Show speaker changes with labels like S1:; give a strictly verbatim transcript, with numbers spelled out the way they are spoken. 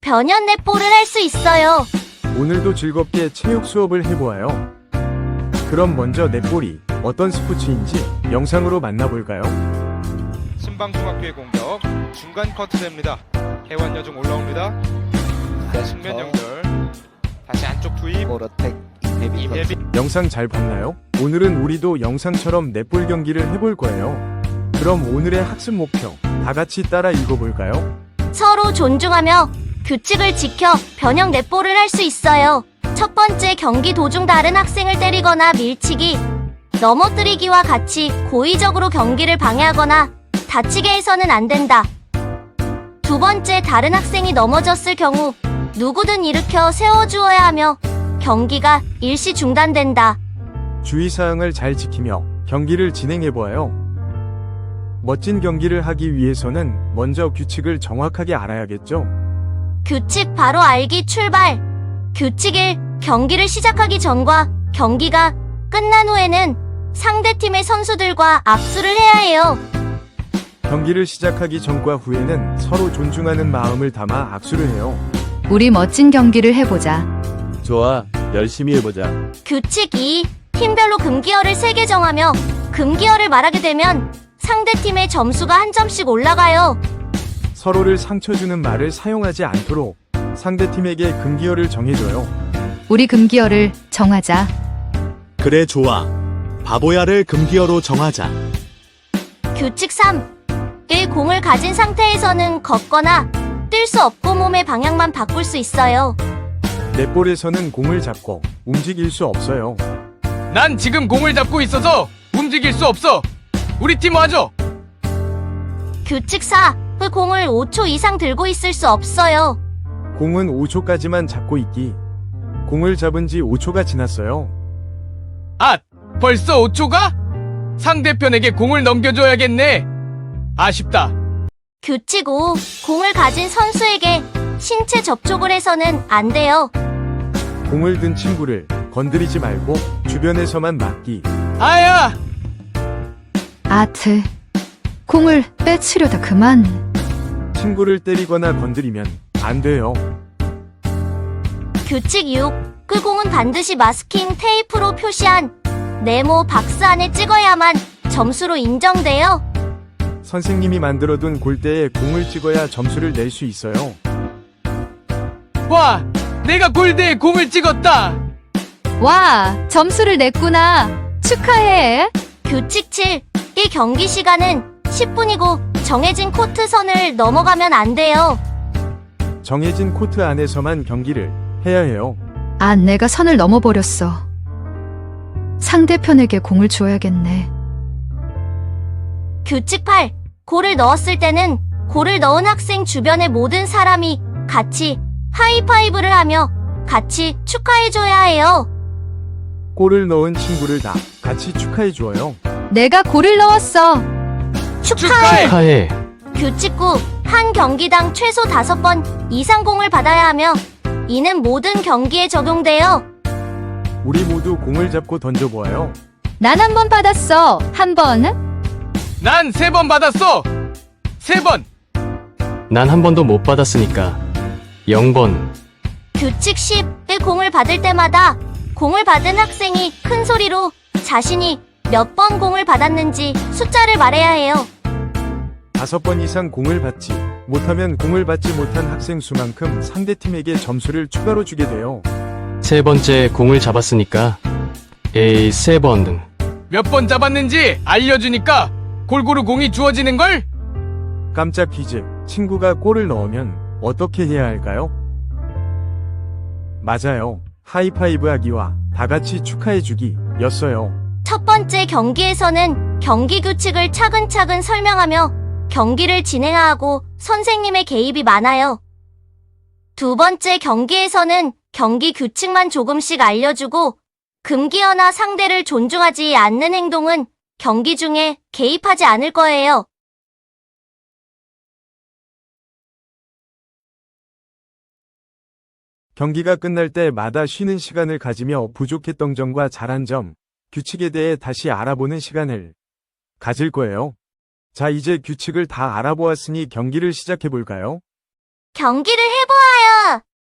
S1: 변형 넷볼을 할 수 있어요.
S2: 오늘도 즐겁게 체육 수업을 해보아요. 그럼 먼저 넷볼이 어떤 스포츠인지 영상으로 만나볼까요?
S3: 신방중학교의 공격 중간 커트됩니다. 해완 여중 올라옵니다. 측면 연결 다시 안쪽 투입
S4: 오로텍 이태비
S3: 이혜비
S2: 영상 잘 봤나요? 오늘은 우리도 영상처럼 넷볼 경기를 해볼 거예요. 그럼 오늘의 학습 목표 다 같이 따라 읽어볼까요?
S1: 서로 존중하며 규칙을 지켜 변형 넷볼을 할 수 있어요. 첫 번째, 경기 도중 다른 학생을 때리거나 밀치기, 넘어뜨리기와 같이 고의적으로 경기를 방해하거나 다치게 해서는 안 된다. 두 번째, 다른 학생이 넘어졌을 경우 누구든 일으켜 세워주어야 하며 경기가 일시 중단된다.
S2: 주의사항을 잘 지키며 경기를 진행해보아요. 멋진 경기를 하기 위해서는 먼저 규칙을 정확하게 알아야겠죠?
S1: 규칙 바로 알기 출발. 규칙 일. 경기를 시작하기 전과 경기가 끝난 후에는 상대팀의 선수들과 악수를 해야 해요.
S2: 경기를 시작하기 전과 후에는 서로 존중하는 마음을 담아 악수를 해요.
S5: 우리 멋진 경기를 해보자.
S6: 좋아, 열심히 해보자.
S1: 규칙 이. 팀별로 금기어를 세 개 정하며 금기어를 말하게 되면 상대팀의 점수가 한 점씩 올라가요.
S2: 서로를 상처주는 말을 사용하지 않도록 상대팀에게 금기어를 정해줘요.
S5: 우리 금기어를 정하자.
S6: 그래, 좋아. 바보야를 금기어로 정하자.
S1: 규칙 삼. 일. 공을 가진 상태에서는 걷거나 뛸 수 없고 몸의 방향만 바꿀 수 있어요.
S2: 넷볼에서는 공을 잡고 움직일 수 없어요.
S7: 난 지금 공을 잡고 있어서 움직일 수 없어. 우리 팀 와줘.
S1: 규칙 사. 공을 오 초 이상 들고 있을 수 없어요.
S2: 공은 오 초까지만 잡고 있기. 공을 잡은 지 오 초가 지났어요.
S7: 아, 벌써 오 초가? 상대편에게 공을 넘겨줘야겠네. 아쉽다.
S1: 규칙 오. 공을 가진 선수에게 신체 접촉을 해서는 안 돼요.
S2: 공을 든 친구를 건드리지 말고 주변에서만 맞기.
S7: 아야!
S5: 아트. 공을 빼치려다 그만.
S2: 친구를 때리거나 건드리면 안 돼요.
S1: 규칙 육. 그 공은 반드시 마스킹 테이프로 표시한 네모 박스 안에 찍어야만 점수로 인정돼요.
S2: 선생님이 만들어둔 골대에 공을 찍어야 점수를 낼 수 있어요.
S7: 와, 내가 골대에 공을 찍었다.
S5: 와, 점수를 냈구나. 축하해.
S1: 규칙 칠. 이 경기 시간은 십 분이고 정해진 코트 선을 넘어가면 안 돼요.
S2: 정해진 코트 안에서만 경기를 해야 해요.
S5: 아, 내가 선을 넘어버렸어. 상대편에게 공을 줘야겠네.
S1: 규칙 팔. 골을 넣었을 때는 골을 넣은 학생 주변의 모든 사람이 같이 하이파이브를 하며 같이 축하해줘야 해요.
S2: 골을 넣은 친구를 다 같이 축하해 주어요.
S5: 내가 골을 넣었어.
S1: 축하해.
S7: 축하해.
S1: 규칙 구. 한 경기당 최소 다섯 번 이상 공을 받아야 하며 이는 모든 경기에 적용돼요.
S2: 우리 모두 공을 잡고 던져보아요.
S5: 난 한 번 받았어. 한 번.
S7: 난 세 번 받았어. 세 번.
S8: 난 한 번도 못 받았으니까 영 번.
S1: 규칙 십. 일. 공을 받을 때마다 공을 받은 학생이 큰 소리로 자신이 몇 번 공을 받았는지 숫자를 말해야 해요.
S2: 다섯 번 이상 공을 받지 못하면 공을 받지 못한 학생 수만큼 상대팀에게 점수를 추가로 주게 돼요.
S8: 세 번째 공을 잡았으니까 에이 세 번.
S7: 몇 번 잡았는지 알려주니까 골고루 공이 주어지는걸?
S2: 깜짝 퀴즈. 친구가 골을 넣으면 어떻게 해야 할까요? 맞아요. 하이파이브 하기와 다 같이 축하해주기 였어요.
S1: 첫 번째 경기에서는 경기 규칙을 차근차근 설명하며 경기를 진행하고 선생님의 개입이 많아요. 두 번째 경기에서는 경기 규칙만 조금씩 알려주고 금기어나 상대를 존중하지 않는 행동은 경기 중에 개입하지 않을 거예요.
S2: 경기가 끝날 때마다 쉬는 시간을 가지며 부족했던 점과 잘한 점, 규칙에 대해 다시 알아보는 시간을 가질 거예요. 자, 이제 규칙을 다 알아보았으니 경기를 시작해볼까요?
S1: 경기를 해보아요. 바보야!